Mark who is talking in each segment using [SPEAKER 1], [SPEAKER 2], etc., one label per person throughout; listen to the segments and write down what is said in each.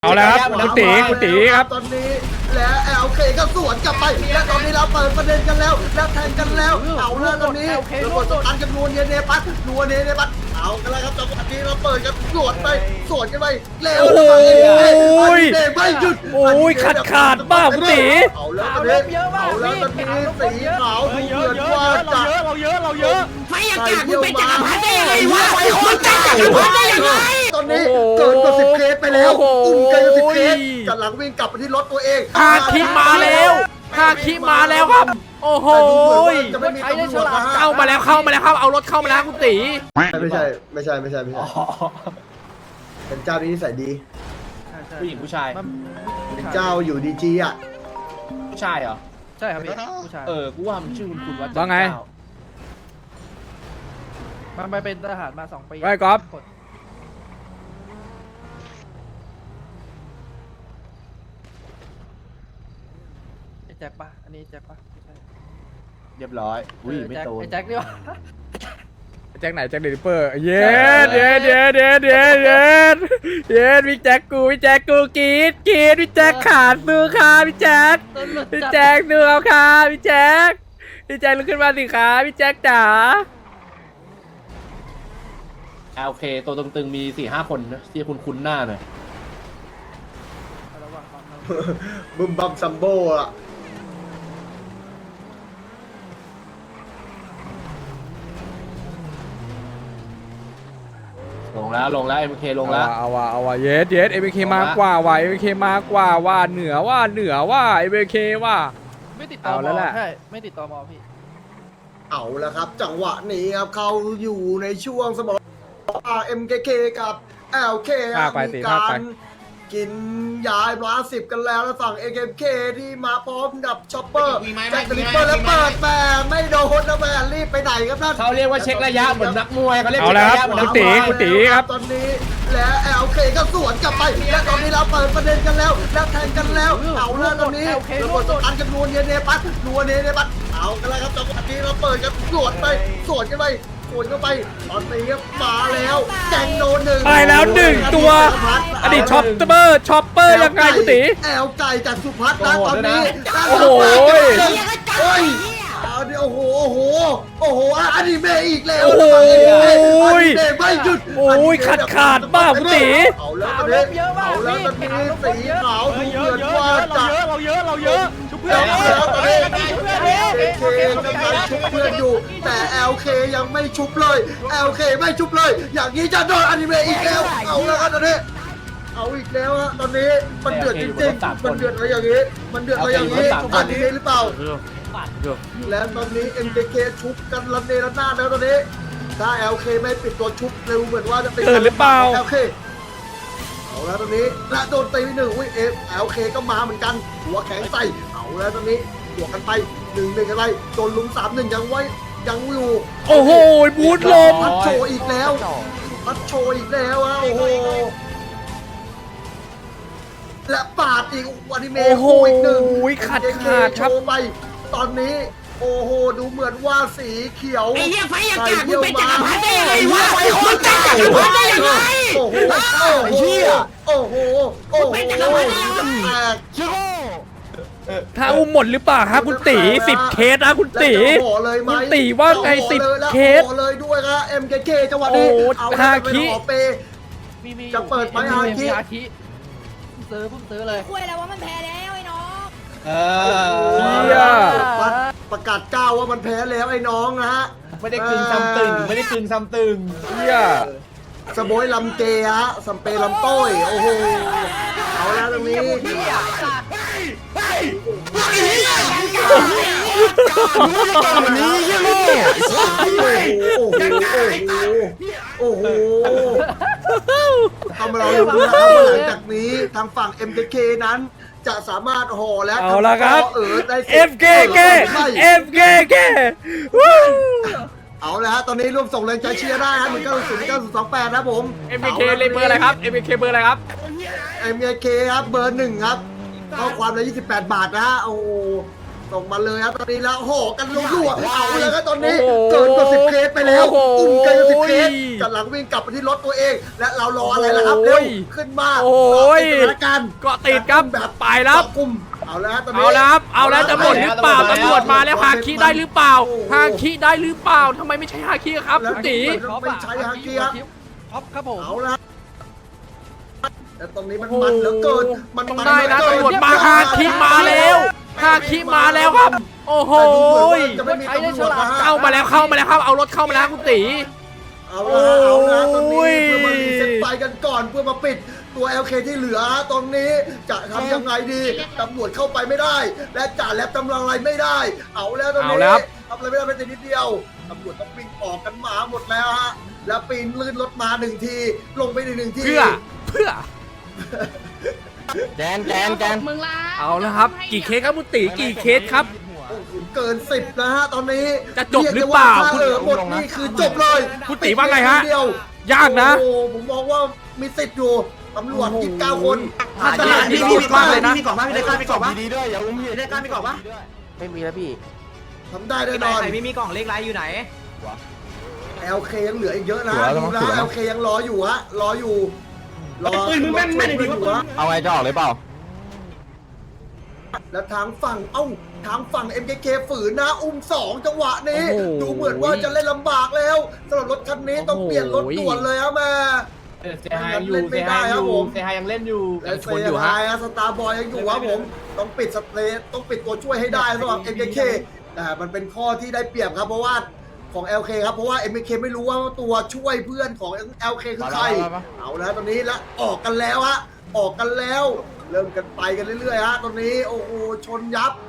[SPEAKER 1] เอาแล้วครับคุณตีครับ
[SPEAKER 2] ตอนนี้และLKก็สวนกลับไปและตอนนี้เราเปิดประเด็นกันแล้วและแทงกันแล้วเอาแล้วตอนนี้ระเบิดสตันกันนัวเนียเนปัสเอากันแล้วครับจังหวะนี้เราเปิดกันสวนกันไปเร็วไม่หยุด
[SPEAKER 1] ขาดบ้าคุณตี
[SPEAKER 2] เอาแล้วตอนนี้สีขาวดูเหมือนว่าจะ
[SPEAKER 3] เราเยอะไม่อยากกมึงเป็นจักรพรรดิได้ยังไงวะมึงเป็นจักรพรรดิได้ยังไง
[SPEAKER 2] ตอนนี้เกินกว่า10 เคสไปแล้วเกินกว่า10 เคสกำลังวิ่งกลับไปที่รถตัวเอง
[SPEAKER 1] ฮาคิมาแล้วครับโอ้โหเข้ามาแล้วครับเอารถเข้ามาแล้วคุณตี
[SPEAKER 2] ไม่ใช่เป็นเจ้าที่นิสัยดี
[SPEAKER 3] ผู้หญิงผู้ชาย
[SPEAKER 2] เป็นเจ้าอยู่ดีจีอ่ะ
[SPEAKER 3] ผู้ชายเหรอ
[SPEAKER 4] ใช่ครับพี่ผู้ชาย
[SPEAKER 3] กูว่ามันชื่อคุณว่า
[SPEAKER 1] ว่าไง
[SPEAKER 4] มันไปเป็นทหารมา2 ปี
[SPEAKER 1] ไว้ก๊อฟ
[SPEAKER 4] แจ็คปะอันนี้แจ็คปะ
[SPEAKER 3] เรียบร้อยอุ้ยไม่โต
[SPEAKER 4] แจ็คดิวะ
[SPEAKER 1] แจ็คไหนแจ็คเดลิเปอร์เย็ดพี่แจ็คกูกีดพี่แจ็คขาดมือค่ะพี่แจ็คดูเอาค่ะพี่แจ็คลุกขึ้นมาสิคะพี่แจ็คจ๋า
[SPEAKER 3] โอเคตัวตึงๆมี 4-5 คนนะที่คุ้นหน้าหน่อย
[SPEAKER 2] บึมบัมซัมโบอ่ะ
[SPEAKER 3] ลงแล้ว MK ลงแล้ว
[SPEAKER 1] เอาว่ะเย็ด MK มากกว่าว่ะ MK มากกว่าว่าเหนือว่า MK ว่า
[SPEAKER 4] ไม่ติดต่อแล้วแหละใช่ไม่ติดต่อมอพี่
[SPEAKER 2] เอาแล้วครับจังหวะนี้ครับเขาอยู่ในช่วงสมร MKK กับ LK มีการกินยา10กันแล้วฝั่ง AKK ที่มาพร้อมกับช็อปเปอร์แจ็คสลิปเปอร์แล้วเปิดแม่ไม่โดนนะแม่รีบไปไหนครับท่าน
[SPEAKER 3] เขาเรียกว่าเช็คระยะเหมือนนักมวยเขาเรียก
[SPEAKER 1] เอาแล้วครับคุณตีครับ
[SPEAKER 2] ตอนนี้และ LK ก็สวนกลับไปและตอนนี้เราเปิดประเด็นกันแล้วและแทงกันแล้วเอาแล้วตอนนี้ระเบิดสตันกันนัวเนียเนปัสเอากันแล้วครับจังหวะนี้เราเปิดกันสวนกันไปเข้าไปตอนนี้มาแล้วแจงโดน1
[SPEAKER 1] ไปแล้ว1ตัวอดีตช็อปเปอร์ยังไงคุณตี
[SPEAKER 2] แอลไก่จากสุพัฒน์นะตอนนี้
[SPEAKER 1] โอ้โห
[SPEAKER 2] โอ้โหอนิเมะอีกแล้ว
[SPEAKER 1] โอ้โห
[SPEAKER 2] ไม่หยุด
[SPEAKER 1] ขาดบ้าคุณตี
[SPEAKER 2] เอาแล้วตอนนี้สีขาวดูเหมือนว่าจะ
[SPEAKER 4] เราเยอะชุบเพื่อน
[SPEAKER 2] กำลังชุบเพื่อนอยู่แต่ LK ยังไม่ชุบเลย อย่างนี้จะโดนอนิเมะอีกแล้วเอาแล้วครับตอนนี้เอาอีกแล้วฮะตอนนี้มันเดือดจริงๆมันเดือดอะไรอย่างนี้อนิเมะหรือเปล่าแล้วตอนนี้ MKK ชุบกันระเนระนาดแล้วตอนนี้ถ้า LK ไม่ปิดตัวชุบเร็วเหมือนว่าจะเป็น
[SPEAKER 1] หรือเปล่า
[SPEAKER 2] LK เอาแล้วตอนนี้และโดนตี1LK ก็มาเหมือนกันหัวแข็งใส่เอาแล้วตอนนี้บวกกันไป1-1กันไปโดนลุม3-1ยังอยู่
[SPEAKER 1] โอ้โหบูทลม
[SPEAKER 2] พัดโชอีกแล้วฮะโอ้โหและปาดอีกอนิเมะอีกหนึ่ง
[SPEAKER 1] ขาด
[SPEAKER 2] ครับไปตอนนี้โอ้โหดูเหมือนว่าสีเขียว
[SPEAKER 3] ไอ้เหี้ยไฟอากาศมึงเป็นจักรพรรดิได้ยังไงวะมึงเป็นจักรพรรดิได้ยังไง
[SPEAKER 2] โอ้โห
[SPEAKER 1] ถ้าอุ้มหมดหรือเปล่าครับคุณตี10 เคสนะคุณตีว่าไง10 เคส
[SPEAKER 2] เลยด้วยครับ MKK จังหวะนี้เอา
[SPEAKER 1] ฮาคิ
[SPEAKER 2] จะเปิดไหมฮาคิ
[SPEAKER 4] ซื้อเลย
[SPEAKER 5] คุยแล้วว่ามันแพ้แล้วไอ้น้อง
[SPEAKER 2] ประกาศก้าวว่ามันแพ้แล้วไอ้น้องนะฮะ
[SPEAKER 3] ไม่ได้กึ่งซ้ำตึง
[SPEAKER 2] สโบยลำเกฮะสัมเปลำต้อยโอ้โหเอาแล้วตรงนี้โอ้โหทำเราอยู่นะครับหลังจากนี้ทางฝั่ง MKK นั้นจะสามารถห่อและ
[SPEAKER 1] เอาละครับ
[SPEAKER 2] ได้
[SPEAKER 1] FKK
[SPEAKER 2] เอาละฮะตอนนี้ร่วมส่งแรงใจเชียร์ได้ฮะ190928นะผม
[SPEAKER 1] MKK เลยเบอร์อะไรครับ MKK เบอร์อะไรครับ
[SPEAKER 2] MKK ครับเบอร์1ครับข้อความละ28 บาทนะฮะโอ้ส่งมาเลยครับตอนนี้แล้วห่อกันรัวๆเอาแล้วครับตอนนี้เกินกว่า10 เคสไปแล้วอุ้มเกินกว่า10 เคสกำลังวิ่งกลับไปที่รถตัวเอง และเรารออะไรล่ะครับเร็วขึ้นมา
[SPEAKER 1] โอ้ย
[SPEAKER 2] ติดสถานการณ์
[SPEAKER 1] เกาะติดครับ
[SPEAKER 2] แบบ
[SPEAKER 1] ไปแล้ว
[SPEAKER 2] กลุ่มเอาแล้วตอนนี้
[SPEAKER 1] เอาแล้วครับเอาแล้วจะหมดหรือเปล่าตำรวจมาแล้วฮาคิได้หรือเปล่าฮาคิได้หรือเปล่าทำไมไม่ใช่ฮาคิครับคุณตี
[SPEAKER 2] ไม่ใช่ฮาคิครับ
[SPEAKER 4] ท็อปครับผม
[SPEAKER 2] เอาละแต่ตรงนี้มันมันเหลือเกินมัน
[SPEAKER 1] ต้อง
[SPEAKER 2] มัน
[SPEAKER 1] ได้นะ
[SPEAKER 2] เหลือ
[SPEAKER 1] ตำรวจ
[SPEAKER 2] เกิน
[SPEAKER 1] มาฮาคิมาแล้วฮาคิมาแล้วครับ โอ้โห
[SPEAKER 2] แต่ดูเหมือนว่าจะไม่มีตำรวจนะฮะ
[SPEAKER 1] เข้ามาแล้วครับเอารถเข้ามาแล้วคุณตี
[SPEAKER 2] เอาละตรง
[SPEAKER 1] โอ้
[SPEAKER 2] นี้
[SPEAKER 1] ย
[SPEAKER 2] เพื่อมารีเซ็ตไฟกันก่อนเพื่อมาปิดตัว LK ที่เหลือตรงนี้จะทำยังไงดีตำรวจเข้าไปไม่ได้ และจ่าแลบตำลังอะไรไม่ได้ เอาแล้วตรงนี้ทำอะไรไม่ได้เป็นแต่นิดเดียวตำรวจต้องวิ่งออกกันมาหมดแล้วฮะแล้วปีนลื่นรถมา1 ทีลงไปหนึ่งที
[SPEAKER 1] เพื่อ
[SPEAKER 3] แจน
[SPEAKER 5] มึงละ
[SPEAKER 1] เอาแล้วครับ กี่เคสครับคุณตีกี่เคสครับ
[SPEAKER 2] โอ้โหเกิน10นะฮะตอนนี้
[SPEAKER 1] จะจบหรือเปล่า
[SPEAKER 2] ยกได้ว่ถ้หมดนี่คือจบเลย
[SPEAKER 1] คุณตีว่าไงฮะ
[SPEAKER 2] เดียว
[SPEAKER 1] ยากนะ
[SPEAKER 2] โอ้โหผมมองว่ามีสิทธิ์อยู่ตำรวจ29 คน
[SPEAKER 1] ถ้าตลาดนี่มีกล่องเลยนะ
[SPEAKER 3] มีกล่องป่ะพี่ได้กล้ามีกล่องป่ะดีด้วยอย่าอุ้มพี่ได้กล้ามีกล่องป่ะไม่มีแล้วพี่
[SPEAKER 2] ทำได้แน่นอน
[SPEAKER 3] ไหนไม่มีกล่องเล็กไรอยู่ไหน
[SPEAKER 2] LK ยังเหลืออีกเยอะนะ
[SPEAKER 3] เหลือแล้ว
[SPEAKER 2] ดู
[SPEAKER 3] มั้ง
[SPEAKER 2] แล้ว
[SPEAKER 3] เหลือ
[SPEAKER 2] LK ยังรออยู่ฮะรออยู่รอ
[SPEAKER 3] ปืนมึงแม่นดิ
[SPEAKER 2] อยู่ฮะ
[SPEAKER 3] เอาไงจะออกเลยเปล่า
[SPEAKER 2] แล้วทางฝั่ง MKK ฝืนนะอุ้ม2จังหวะนี้
[SPEAKER 1] โอ้โห
[SPEAKER 2] ดูเหมือนว่าจะเล่นลำบากแล้วสำหรับรถคันนี้ต้องเปลี่ยนรถด่วนเลยครับแม่
[SPEAKER 6] เซฮายอยู่เซฮายยังเล่นอยู่
[SPEAKER 2] และเซฮายสตาร์บอยยังอยู่ครับผมต้องปิดสเตย์ต้องปิดตัวช่วยให้ได้สำหรับ MKK แต่มันเป็นข้อที่ได้เปรียบครับเพราะว่าของ LK ครับเพราะว่า MKK ไม่รู้ว่าตัวช่วยเพื่อนของ LK คือใครเอาแล้วตอนนี้แล้วออกกันแล้วฮะออกกันแล้วเริ่มกันไปกันเรื่อยๆฮะตอนนี้โอ้โหชนยับ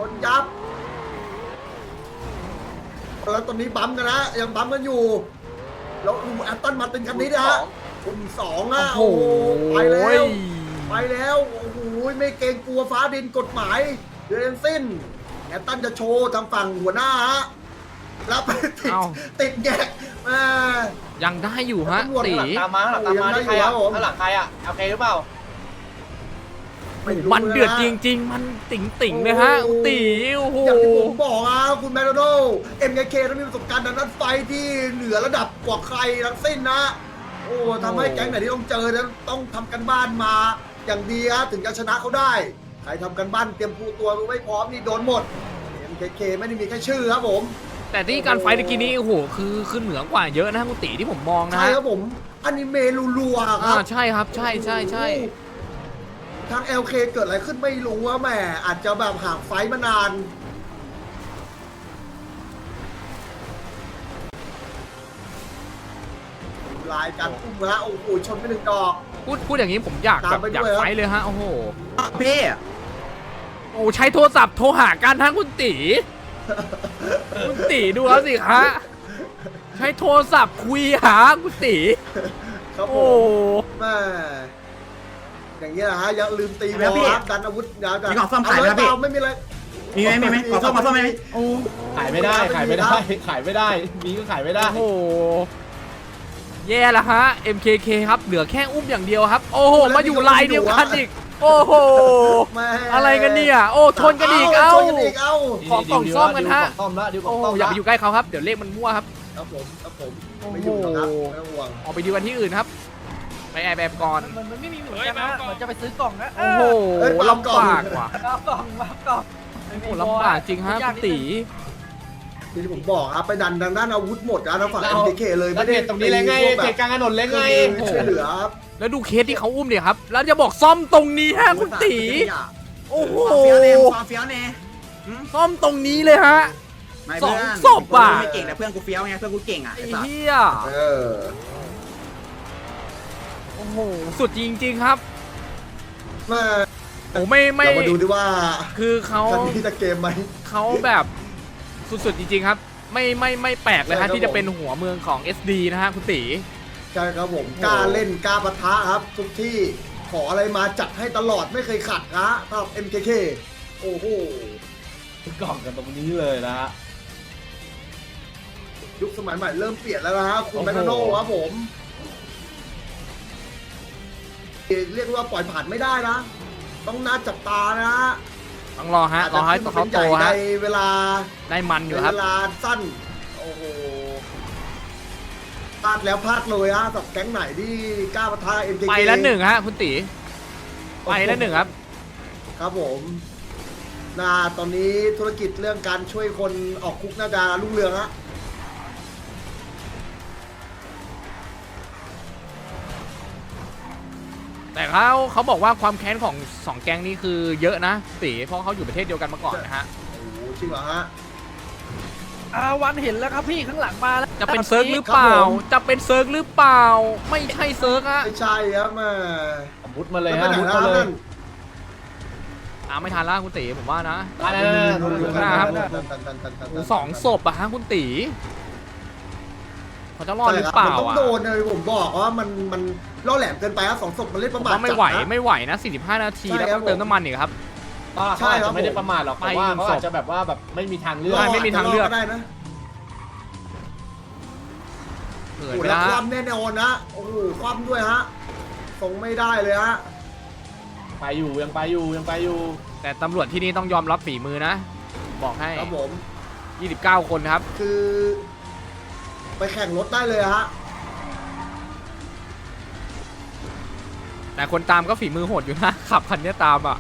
[SPEAKER 2] แล้วตอนนี้บัมกันนะยังบัมกันอยู่แล้วดูแอตตันมาตินคันนี้นะฮะคุณ2อ่ะโอ้โหไปแล้วโอ้โหไม่เกรงกลัวฟ้าดินกฎหมายเดือนสิ้นแอตตันจะโชว์ทางฝั่งหัวหน้าฮะแล้วไปติดแยกมา
[SPEAKER 1] ยังได้อยู่ฮะตี
[SPEAKER 6] ตามมาที่ใครอ่ะข้างหลังใครอ่ะโอเคหรือเปล่า
[SPEAKER 2] ไม่รู้
[SPEAKER 1] มันเดือด
[SPEAKER 2] ะ
[SPEAKER 1] จริง ๆ มันติ่งๆเลยฮะคุณตีโอ้โห
[SPEAKER 2] อย่างที่ผมบอกอ่ะคุณแมคโดนัลด์ MKK ต้องมีประสบการณ์ด้านไฟที่เหนือระดับกว่าใครทั้งสิ้นนะ โอ้ทำให้แก๊งไหนที่ต้องเจอนั้นต้องทำกันบ้านมาอย่างดีฮะถึงจะชนะเขาได้ ใครทำกันบ้านเตรียมปูตัวไม่พร้อมนี่โดนหมด MKK ไม่ได้มีแค่ชื่อครับผม
[SPEAKER 1] แต่ที่การไฟต์ตะกี้นี้โอ้โหคือเหนือกว่าเยอะนะคุณตีที่ผมมองนะ
[SPEAKER 2] ใช่
[SPEAKER 1] ฮะ
[SPEAKER 2] ครับผมอนิเมะรัวๆค
[SPEAKER 1] อ่า
[SPEAKER 2] รับ
[SPEAKER 1] ใช่ครับใช่
[SPEAKER 2] ทาง LK เกิดอะไรขึ้นไม่รู้ว่าแหมอาจจะแบบห่างไฟท์มานานลายการอุ้มฮะโอ้โหชนไป1 ดอก
[SPEAKER 1] พูดอย่างนี้ผมอยาก
[SPEAKER 2] ตามไป
[SPEAKER 1] อยาก
[SPEAKER 2] ด้วยครับ
[SPEAKER 1] ไฟต์เลยฮะโอ้โห
[SPEAKER 3] พี่
[SPEAKER 1] โอ้ใช้โทรศัพท์โทรหากันทั้งคุณตีคุณตีดูแล้วสิคะใช้โทรศัพท์คุยหาคุณตี
[SPEAKER 2] ครับผ
[SPEAKER 1] โอ้
[SPEAKER 2] มแม่อย่างเงี้ยนะฮะยังลืมตีบอลครับดันอาวุธยาวกัน
[SPEAKER 3] มีของซ่อมขายไหมครับพี่
[SPEAKER 2] ไม่มีอะไร
[SPEAKER 3] มีไหมขอซ่อมไหม
[SPEAKER 6] ขายไม่ได้มีก็ขายไม่ได้
[SPEAKER 1] โอ้โหแย่ละฮะ MKK ครับเหลือแค่อุ้มอย่างเดียวครับ โอ้โหมาอยู่ลายเดียวกันอีกโอ้โห
[SPEAKER 2] แม่
[SPEAKER 1] อะไรกันเนี่ยโอ้ชนกันอีกเอ้า
[SPEAKER 2] ชนกันอีกเอ้า
[SPEAKER 1] ขอกล่องซ่อมกันฮะ
[SPEAKER 6] ซ่อมแล้วดิวกล่
[SPEAKER 1] โอ้
[SPEAKER 6] อง
[SPEAKER 1] โห
[SPEAKER 6] ซ่อม
[SPEAKER 1] อย่าไปอยู่ใกล้เขาครับเดี๋ยวเลขมันมั่วครับ
[SPEAKER 2] ครับผมไม่อยู่หรอกครับไม่ต้องห่วง
[SPEAKER 1] ออกไปดีกันที่อื่นครับไปแอบแบบก่อน
[SPEAKER 4] มันไม่มีเหมือนกันนะเหมือนจะไปซื้อกล่องนะ
[SPEAKER 1] โอ้โหลำบากว่ะ
[SPEAKER 4] เอากล่องมาเอากล่อง
[SPEAKER 1] โอ้โหลำบากจริงฮะคุณตี
[SPEAKER 2] ที่ผมบอกครับไปดันทางด้านอาวุธหมดนะทางฝั่ง MKK เลย
[SPEAKER 6] แล้วเทตรงนี้เลยไงเทตกลางถนนเลยไง
[SPEAKER 2] ช่วยเหลือครับ
[SPEAKER 1] แล้วดูเคสที่เขาอุ้มเนี่ยครับแล้วจะบอกซ่อมตรงนี้ฮะคุณตีโอ้โห
[SPEAKER 3] เฟี้ยวเน่
[SPEAKER 1] ซ่อมตรงนี้เลยฮะ สองศพอ่ะ
[SPEAKER 3] ไม่เก่งแต่เพื่อนกูเฟี้ยวไงเพื่อนกูเก่งอ่ะ
[SPEAKER 1] ไอ้
[SPEAKER 3] ไอ้สัส
[SPEAKER 1] เหี้ย
[SPEAKER 2] เออ
[SPEAKER 1] โอ้โหสุดจริงๆครับ
[SPEAKER 2] มา
[SPEAKER 1] โอ้ไม่
[SPEAKER 2] เรามาดูดิว่า
[SPEAKER 1] คือเขา
[SPEAKER 2] คันนี้จะเกมไหม
[SPEAKER 1] เขาแบบสุดๆจริงๆครับ ไม่แปลกเลยฮะที่จะเป็นหัวเมืองของ SD นะฮะคุณตี
[SPEAKER 2] ใช่ครับผมกล้าเล่นกล้าปะทะครับ ทุกที่ขออะไรมาจัดให้ตลอดไม่เคยขัดนะสำหรับ MKK โอ้โห
[SPEAKER 6] กล่องกันตรงนี้เลยนะฮะ
[SPEAKER 2] ยุคสมัยใหม่เริ่มเปลี่ยนแล้วนะฮะคุณแมคโดนัลด์ครับผมเรียกว่าปล่อยผ่านไม่ได้นะ ต้องน่าจับตานะฮะ
[SPEAKER 1] ต้องรอฮะรอให้เขาโต
[SPEAKER 2] ใน
[SPEAKER 1] ฮะ
[SPEAKER 2] เวลา
[SPEAKER 1] ได้มันอยู่
[SPEAKER 2] ใน
[SPEAKER 1] ครับ
[SPEAKER 2] เวลาสั้นโอ้โหพลาดแล้วพลาดเลยฮะกับแก๊งไหนที่กล้าปะทะ MKK
[SPEAKER 1] ไปแล้วหนึ่งฮะคุณตีไปแล้วหนึ่งครับ
[SPEAKER 2] ครับผมตอนนี้ธุรกิจเรื่องการช่วยคนออกคุกน่าจะรุ่งเรืองฮะ
[SPEAKER 1] แต่เขาบอกว่าความแค้นของสองแก๊งนี้คือเยอะนะตีเพราะเขาอยู่ประเทศเดียวกันมาก่อนนะฮะ
[SPEAKER 2] โอ้โหจริงเหรอฮะ
[SPEAKER 4] วันเห็นแล้วครับพี่ข้างหลังมาแล้ว
[SPEAKER 1] จะเป็นเซิร์ฟหรือเปล่า
[SPEAKER 2] ครับผม
[SPEAKER 1] จะเป็นเซิร์ฟหรือเปล่า ไม่ใช่เซิร์ฟฮะ
[SPEAKER 2] ไม่ใช่ครับแม่
[SPEAKER 6] มุดมาเลย
[SPEAKER 2] แล้ว
[SPEAKER 6] ฮะ
[SPEAKER 2] ไป
[SPEAKER 6] มุด
[SPEAKER 2] ไหน
[SPEAKER 6] มา
[SPEAKER 2] แล้ว
[SPEAKER 6] เลย
[SPEAKER 2] นั่น
[SPEAKER 1] ไม่ทันแล้วคุณตีผมว่านะ
[SPEAKER 6] อ่า
[SPEAKER 1] ดูหน้าครับ โอ้สองศพอะฮะคุณตีเขาจะรอดหรือเปล่า
[SPEAKER 2] มันต้อง
[SPEAKER 1] อะ
[SPEAKER 2] โดนเลยผมบอกว่ามันล่อแหลมเกินไปครับสองศพมันเล่น
[SPEAKER 1] ผ
[SPEAKER 2] ประ
[SPEAKER 1] ม
[SPEAKER 2] มาท
[SPEAKER 1] ว่าไม่ไหว
[SPEAKER 2] จัดนะ
[SPEAKER 1] ไม่ไหวนะ45 นาที
[SPEAKER 2] ใช่
[SPEAKER 1] แล้ว
[SPEAKER 2] ครั
[SPEAKER 1] ต้
[SPEAKER 2] บ
[SPEAKER 1] องเติมน้ำมันอีกครับ
[SPEAKER 6] ก็
[SPEAKER 2] ใช่
[SPEAKER 6] เขา
[SPEAKER 2] ครับ
[SPEAKER 6] อาจจะไม่ได้ประมาทหรอก
[SPEAKER 1] ไป
[SPEAKER 6] แต่ว่าเขา
[SPEAKER 1] ศพ
[SPEAKER 6] อาจจะแบบว่าแบบไม่มีทางเลือก
[SPEAKER 1] ใช่ไม่มีทางเลือก
[SPEAKER 2] ได้นะ
[SPEAKER 1] เกิ
[SPEAKER 2] โอ้
[SPEAKER 1] ด
[SPEAKER 2] โห
[SPEAKER 1] ไป
[SPEAKER 2] แล้ว
[SPEAKER 1] แล้ว
[SPEAKER 2] คว่ำแน่นอนนะโอ้โหคว่ำด้วยฮะส่งไม่ได้เลยฮะ
[SPEAKER 6] ไปอยู่ยังไปอยู่ยังไปอยู่
[SPEAKER 1] แต่ตำรวจที่นี่ต้องยอมรับฝีมือนะ บอกให้
[SPEAKER 2] ครับผม
[SPEAKER 1] 29 คนครับ
[SPEAKER 2] คือ ไปแข่งรถได้เลยฮะ
[SPEAKER 1] แต่คนตามก็ฝีมือโหดอยู่นะ ขับคันนี้ตามอ่ะ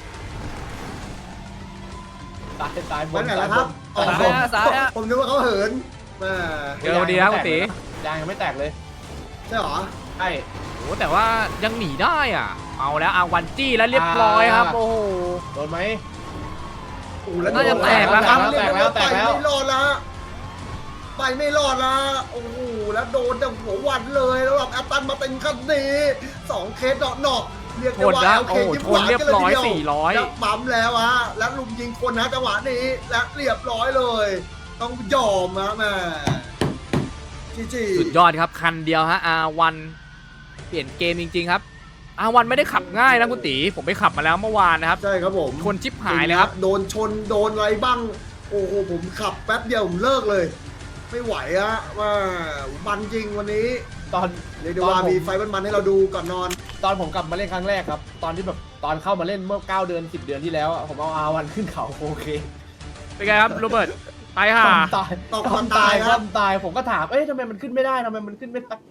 [SPEAKER 6] ตายบ
[SPEAKER 2] ไป
[SPEAKER 6] น
[SPEAKER 2] ไหนแล้วครับ
[SPEAKER 6] ตายบน
[SPEAKER 2] ผมนึกว่าเขาเหินแม่
[SPEAKER 1] เดี๋ยวดีครับคุณตี
[SPEAKER 6] ยางยังไม่แตกเลย
[SPEAKER 2] ใช่เหรอ
[SPEAKER 6] ใช่
[SPEAKER 1] โอ้แต่ว่ายังหนีได้อ่ะ เอาแล้วเอาวันจี้แล้วเรียบร้อยครับ โอ้โห
[SPEAKER 6] โดนไหม
[SPEAKER 2] โอ้โหแล้ว
[SPEAKER 1] น่าจะแตกแล้วครับ
[SPEAKER 2] เรียบร้อย
[SPEAKER 6] แตกแล้ว
[SPEAKER 2] ไปไม่รอดละไปไม่รอดละโอ้โหแล้วโดนแต่หัววันเลยแล้วแบบแอตตันมาเป็นคันนี้2 เคสเนาะเรียกได้
[SPEAKER 1] ชน
[SPEAKER 2] ว่า
[SPEAKER 1] นะ
[SPEAKER 2] โอเค
[SPEAKER 1] โอ้โห
[SPEAKER 2] ยิ้ม
[SPEAKER 1] ช
[SPEAKER 2] ห
[SPEAKER 1] น
[SPEAKER 2] วาน
[SPEAKER 1] เรียบ
[SPEAKER 2] กันเลย
[SPEAKER 1] ร้อย
[SPEAKER 2] ทีเดียว
[SPEAKER 1] 400
[SPEAKER 2] แล้วปั๊มแล้วฮะแล้วลุมยิงคนนะจังหวะนี้และเรียบร้อยเลย ต้องยอมนะแม่จี
[SPEAKER 1] สุดยอดครับ คันเดียวฮะ R1 เปลี่ยนเกมจริง ๆ ครับ R1 ไม่ได้ขับง่ายนะคุณตีผมไปขับมาแล้วเมื่อวานนะครับ
[SPEAKER 2] ใช่ครับผม
[SPEAKER 1] ชนชิบหายเลยครับ
[SPEAKER 2] โดนชนโดนอะไรบ้างโอ้โหผมขับแป๊บเดียวผมเลิกเลย ไม่ไหวฮะว่ามันจริงวันนี้
[SPEAKER 6] ตอน
[SPEAKER 2] เรียกได้ว่ามีไฟมันๆให้เราดูก่อนนอน
[SPEAKER 6] ตอนผมกลับมาเล่นครั้งแรกครับ ตอนที่แบบตอนเข้ามาเล่นเมื่อ9 เดือน 10 เดือนที่แล้วอะผมเอาR1ขึ้นเขาโอเค
[SPEAKER 1] เป็นไงครับโรเบิร์ตไปค่ะ
[SPEAKER 6] ความตาย
[SPEAKER 2] ตกความตายครับ
[SPEAKER 6] ความตายผมก็ถามเอ้ยทำไมมันขึ้นไม่ได้ทำไมมันขึ้นไม่ได้